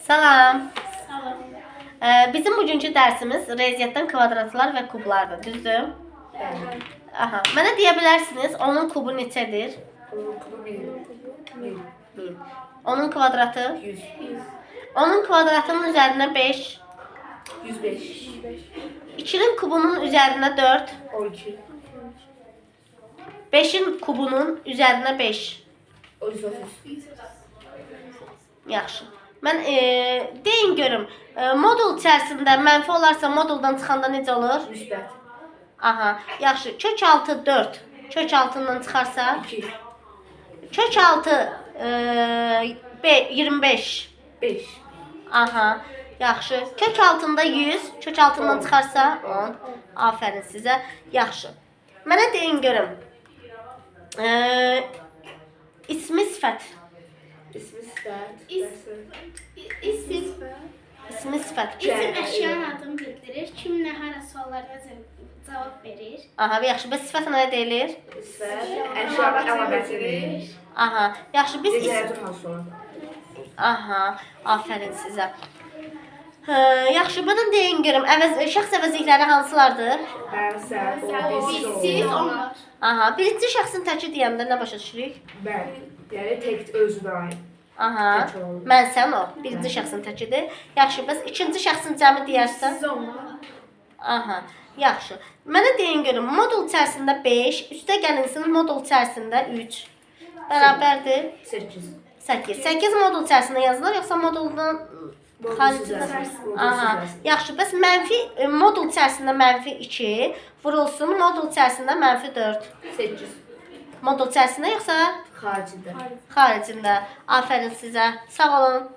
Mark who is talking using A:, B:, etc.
A: Salam.
B: Salam.
A: Bizim bugünkü dərsimiz riyaziyyatdan kvadratlar və kublardır, düzdür?
B: Bəli.
A: Aha. Mənə deyə bilərsiniz, onun kubu neçədir?
B: Onun kubu 1000.
A: 1000. Onun kvadratı?
B: 100.
A: Onun kvadratının üzərinə 5.
B: 105.
A: 2'nin kubunun üzərinə 4.
B: 12.
A: 5'in kubunun üzərinə 5.
B: 130.
A: Yaxşı. Mən deyin görüm, modul içərisində mənfi olarsa moduldan çıxanda necə olur?
B: Müsbət.
A: Aha, yaxşı. Kök altı 4. Kök altından çıxarsa?
B: 2.
A: Kök altı 25.
B: 5.
A: Aha, yaxşı. Kök altında 100. Kök altından çıxarsa? 10. Aferin sizə. Yaxşı. Mənə deyin görüm. İsmi sifət.
B: İsmi sifət.
A: İsmi sifət.
C: İsim əşyanın adını bildirir. Kim nə hara suallarına cavab verir.
A: Aha, yaxşı. Bəs sifət nə deyilir?
B: Sifət. Əşyanın əlamətidir.
A: Aha, yaxşı. Biz
B: Riyaziyyatın hansılar?
A: Aha, aferin sizə. Yaxşı, bunu deyin görüm. Şəxs əvəzlikləri hansılardır?
B: Mən, sən, o, biz,
C: Siz,
B: o.
C: onlar.
A: Aha, birinci şəxsin təki deyəndə nə başa düşürük?
B: Mən. Yəni tək özünə aid.
A: Aha,
B: Tək olur.
A: mən sən o. Birinci şəxsin təkidir. Yaxşı, bəs ikinci şəxsin cəmi deyərsən?
C: Siz, onlar.
A: Aha, yaxşı. Mənə deyin görüm, modul içərisində 5, üstə gəlinsin modul içərisində 3. Bərabərdir
B: 8.
A: 8. 8 modul içərisində yazılır, yoxsa moduldan xaricində? Aha, yaxşı. Bəs mənfi modul içərisində mənfi 2 vurulsun, modul içərisində mənfi 4.
B: 8.
A: Modul içərisində yoxsa
B: Xaricində.
A: xaricində? Aferin sizə. Sağ olun.